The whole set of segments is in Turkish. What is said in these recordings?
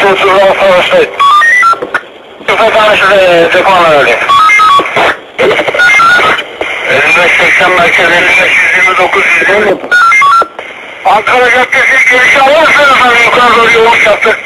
Sudan Savaş'tayım. Tüfekhane şurada Tekoğan'a öyle. 55-80 merkez 55-129 Ankara Caddesi girişi alırsanız yukarı doğru yoğun yaptık.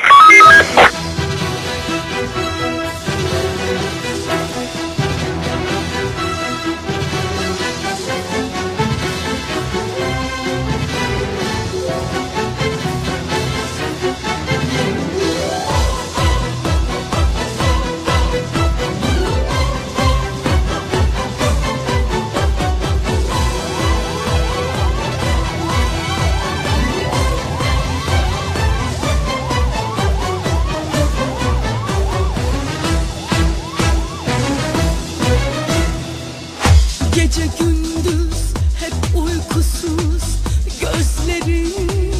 Gece gündüz hep uykusuz gözlerim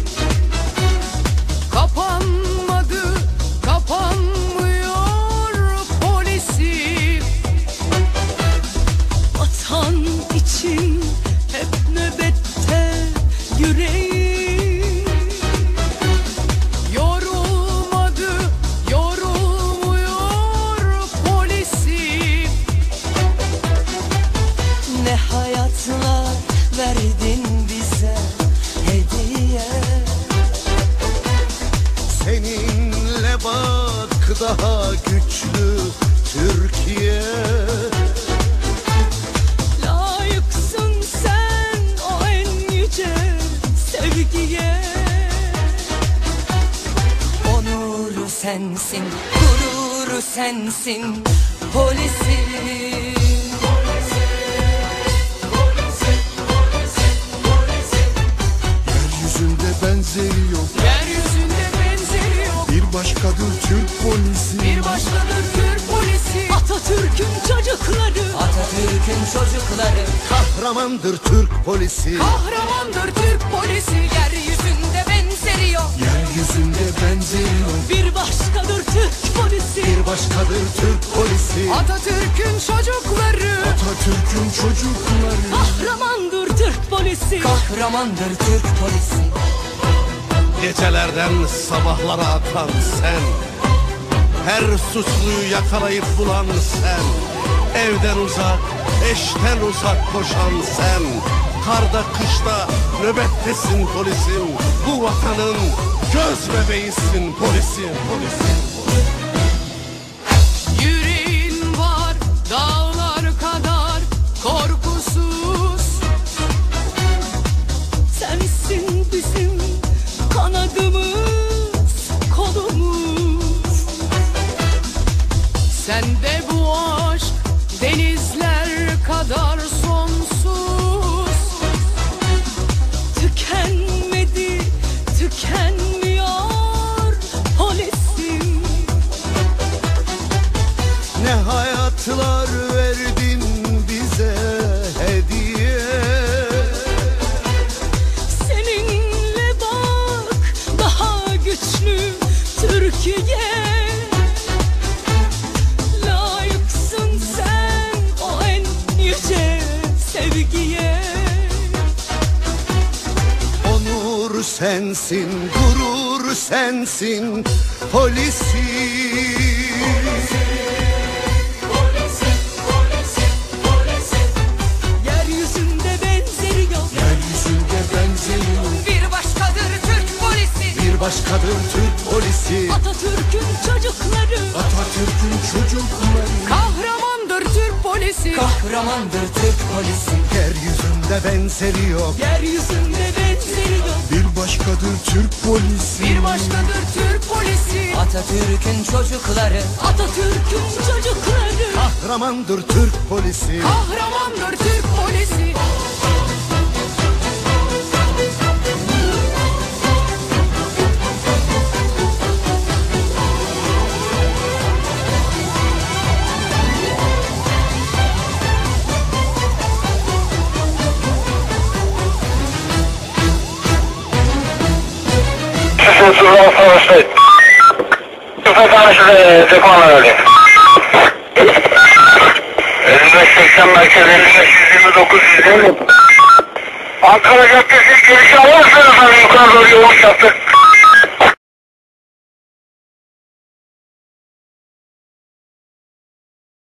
kapanmadı, kapanmıyor polisim. Vatan için hep nöbette yüreğim. Yorulmadı, yorulmuyor polisim. Ne hayatlar verdin bize hediye. Seninle bak daha güçlü Türkiye. Layıksın sen o en yüce sevgiye. Onuru sensin, gururu sensin polisim. Yeryüzünde benzeri yok, Yeryüzünde benzeri yok. bir başkadır Türk polisi. Bir başkadır Türk polisi. Atatürk'ün çocukları. Atatürk'ün çocukları. Kahramandır Türk polisi. Kahramandır Türk polisi. Yeryüzünde benzeri yok. Yeryüzünde benzeri yok, Bir başkadır Türk polisi. bir başkadır Türk polisi. Atatürk'ün çocukları. Atatürk'ün çocukları. Kahramandır Türk polisi. Kahramandır Türk polisi. Gecelerden sabahlara atan sen, her suçluyu yakalayıp bulan sen, evden uzak, eşten uzak koşan sen, karda kışta nöbettesin polisim, bu vatanın göz bebeğisin polisim, polisim. Yüreğin var dağlar kadar korkusuz. Sensin bizim kanadımız, kolumuz. Sende bu aşk denizler kadar sonsuz. Tükenmedi, tükenmiyor polisim. Ne hayatlar verdin bize hediye. Seninle bak daha güçlü Türkiye. Layıksın sen o en yüce sevgiye. Onur sensin, gurur sensin polisi. Yeryüzünde benzeri yok. Yeryüzünde benzeri yok, Bir başkadır Türk polisi. bir başkadır Türk polisi. Atatürk'ün çocukları. Atatürk'ün çocukları. Kahramandır Türk polisi. Kahramandır Türk polisi. Yeryüzünde benzeri yok, Yeryüzünde benzeri yok. bir başkadır Türk polisi. Bir başkadır Türk polisi. Atatürk'ün çocukları. Atatürk'ün çocukları. Kahramandır Türk polisi. Kahramandır Türk polisi. Sudan Savaş'tayım. Tüfekhane şurada Tekoğan'a öyle. 55-80 merkez 55-129 Ankara Caddesi girişi alırsanız yukarı doğru yoğun yaptık.